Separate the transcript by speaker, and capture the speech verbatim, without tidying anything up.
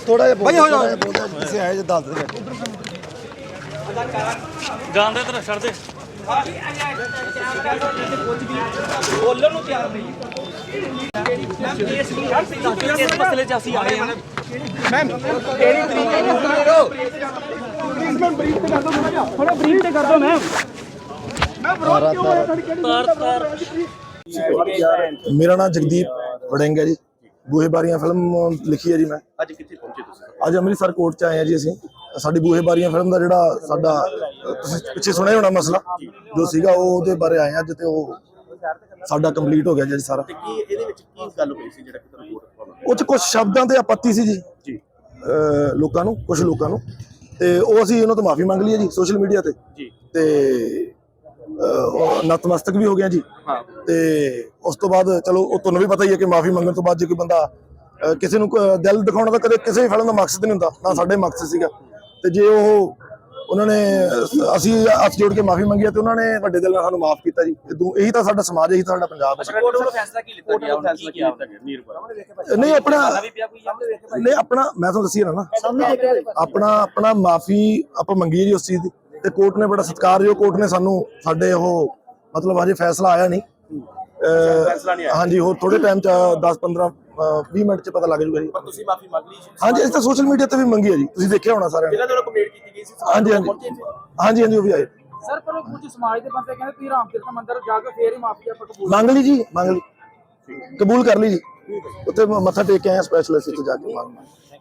Speaker 1: थोड़ा जिहा भाई हो जाओ किसी आए जो दाल दे बैठो
Speaker 2: जान दे तेरा छड़ दे बोलन ਨੂੰ ਤਿਆਰ ਨਹੀਂ ਇਸ ਮਸਲੇ 'ਚ ਅਸੀਂ ਆਏ ਹਾਂ ਮੈਮ ਕਿਹੜੀ ਤਰੀਕੇ ਨਾਲ ਕਰੋ ਪਲੀਜ਼ ਮੈਮ ਬਰੀਫ ਤੇ ਕਰ ਦੋ ਥੋੜਾ ਜਿਹਾ ਥੋੜਾ ਬਰੀਫ ਤੇ ਕਰ ਦੋ ਮੈਮ ਮੈਂ ਵਿਰੋਧ ਕਿਉਂ ਹੋਇਆ ਤੁਹਾਡੀ ਕਿਹੜੀ ਤਾਰ ਤਾਰ
Speaker 1: मेरा नाम जगदीप वड़िंग है जी बूहे बारियां फिल्म लिखी है जी मैं
Speaker 3: ਅੱਜ ਕਿੱਥੇ ਪਹੁੰਚੇ ਤੁਸੀਂ
Speaker 1: ਅੱਜ ਅੰਮ੍ਰਿਤਸਰ ਕੋਰਟ ਚ ਆਏ ਆ ਜੀ ਅਸੀਂ ਸਾਡੀ ਬੂਹੇ ਬਾਰੀਆਂ ਫਿਲਮ ਦਾ ਜਿਹੜਾ ਸਾਡਾ ਤੁਸੀਂ ਪਿੱਛੇ ਸੁਣਿਆ ਹੋਣਾ ਮਸਲਾ ਜੋ ਸੀਗਾ ਉਹ ਉਹਦੇ ਬਾਰੇ ਆਏ ਅੱਜ ਤੇ ਉਹ ਸਾਡਾ ਕੰਪਲੀਟ ਹੋ ਗਿਆ ਜੀ ਸਾਰਾ
Speaker 3: ਤੇ ਕੀ ਇਹਦੇ ਵਿੱਚ ਕੀ ਗੱਲ ਹੋਈ ਸੀ ਜਿਹੜਾ ਕਿ ਤੁਹਾਨੂੰ ਵੋਟ ਪਾਉਣਾ
Speaker 1: ਉਹ ਚ ਕੁਝ ਸ਼ਬਦਾਂ ਤੇ ਆਪੱਤੀ ਸੀ ਜੀ
Speaker 3: ਜੀ
Speaker 1: ਲੋਕਾਂ ਨੂੰ ਕੁਝ ਲੋਕਾਂ ਨੂੰ ਤੇ ਉਹ ਅਸੀਂ ਉਹਨਾਂ ਤੋਂ ਮਾਫੀ ਮੰਗ ਲਈ ਹੈ ਜੀ ਸੋਸ਼ਲ ਮੀਡੀਆ ਤੇ
Speaker 3: ਜੀ
Speaker 1: ਤੇ ਨਤਮਸਤਕ ਵੀ ਹੋ ਗਿਆ ਜੀ
Speaker 3: ਹਾਂ
Speaker 1: ਤੇ ਉਸ ਤੋਂ ਬਾਅਦ ਚਲੋ ਉਹ ਤੁਹਾਨੂੰ ਵੀ ਪਤਾ ਹੀ ਹੈ ਕਿ ਮਾਫੀ ਮੰਗਣ ਤੋਂ ਬਾਅਦ ਜੇ ਕੋਈ ਬੰਦਾ ਕਿਸੇ ਨੂੰ ਦਿਲ ਦਿਖਾਉਣਾ ਤਾਂ ਕਦੇ ਕਿਸੇ ਵੀ ਫਿਲਮ ਦਾ ਮਕਸਦ ਨਹੀਂ ਹੁੰਦਾ ਨਾ ਸਾਡੇ ਮਕਸਦ ਸੀਗਾ ਤੇ ਜੇ ਉਹ ਉਹਨਾਂ ਨੇ ਅਸੀਂ ਹੱਥ ਜੋੜ ਕੇ ਮਾਫੀ ਮੰਗੀ ਤੇ ਉਹਨਾਂ ਨੇ ਵੱਡੇ ਦਿਲ ਨਾਲ ਸਾਨੂੰ ਮਾਫ ਕੀਤਾ ਜੀ ਇਹੀ ਤਾਂ ਸਾਡਾ ਸਮਾਜ ਇਹੀ ਤਾਂ ਸਾਡਾ ਪੰਜਾਬ ਹੈ
Speaker 3: ਕੋਰਟ ਵੱਲੋਂ ਫੈਸਲਾ ਕੀ ਲਿੱਤਾ ਗਿਆ ਫੈਸਲਾ ਕੀ ਲਿੱਤਾ ਗਿਆ ਨੀਰਪੁਰ
Speaker 1: ਨਹੀਂ ਆਪਣਾ ਨਹੀਂ ਆਪਣਾ ਮੈਂ ਤੁਹਾਨੂੰ ਦੱਸੀ ਨਾ ਆਪਣਾ ਆਪਣਾ ਮਾਫੀ ਆਪਾਂ ਮੰਗੀ ਜੀ ਉਸ ਚੀਜ਼ ਦੀ ਤੇ ਕੋਰਟ ਨੇ ਬੜਾ ਸਤਿਕਾਰਯੋਗ ਕੋਰਟ ਨੇ ਸਾਨੂੰ ਸਾਡੇ ਉਹ ਮਤਲਬ ਅਜੇ ਫੈਸਲਾ ਆਇਆ ਨਹੀਂ ਹਾਂਜੀ ਹੋਰ ਥੋੜੇ ਟਾਈਮ ਚ ਦਸ ਪੰਦਰਾਂ ਵੀਹ ਮਿੰਟ ਚ ਪਤਾ ਲੱਗ ਜੂਗਾ ਜੀ
Speaker 3: ਪਰ ਤੁਸੀਂ ਮਾਫੀ ਮੰਗ ਲਈ
Speaker 1: ਹਾਂਜੀ ਅਸੀਂ ਤਾਂ ਸੋਸ਼ਲ ਮੀਡੀਆ ਤੇ ਵੀ ਮੰਗੀ ਹੈ ਜੀ ਤੁਸੀਂ ਦੇਖਿਆ ਹੋਣਾ ਸਾਰਿਆਂ ਨੇ
Speaker 3: ਜਿਹਨਾਂ ਵੱਲੋਂ ਕੰਪਲੇਂਟ ਕੀਤੀ ਗਈ ਸੀ
Speaker 1: ਹਾਂਜੀ ਹਾਂਜੀ ਹਾਂਜੀ ਹਾਂਜੀ ਉਹ ਵੀ ਆਏ
Speaker 4: ਸਰ ਪਰ ਉਹ ਕੁਝ ਸਮਾਜ ਦੇ ਬੰਦੇ ਕਹਿੰਦੇ ਤੁਸੀਂ ਰਾਮ ਤੀਰਥ ਮੰਦਿਰ ਜਾ ਕੇ ਫੇਰ ਹੀ ਮਾਫੀ ਆਪਾਂ ਕਬੂਲ
Speaker 1: ਮੰਗ ਲਈ ਜੀ ਮੰਗ ਲਈ ਕਬੂਲ ਕਰ ਲਈ ਜੀ ਉੱਥੇ ਮੱਥਾ ਟੇਕ ਕੇ ਆਏ ਸਪੈਸ਼ਲਿਸਟ ਤੇ ਜਾ ਕੇ ਮੰਗ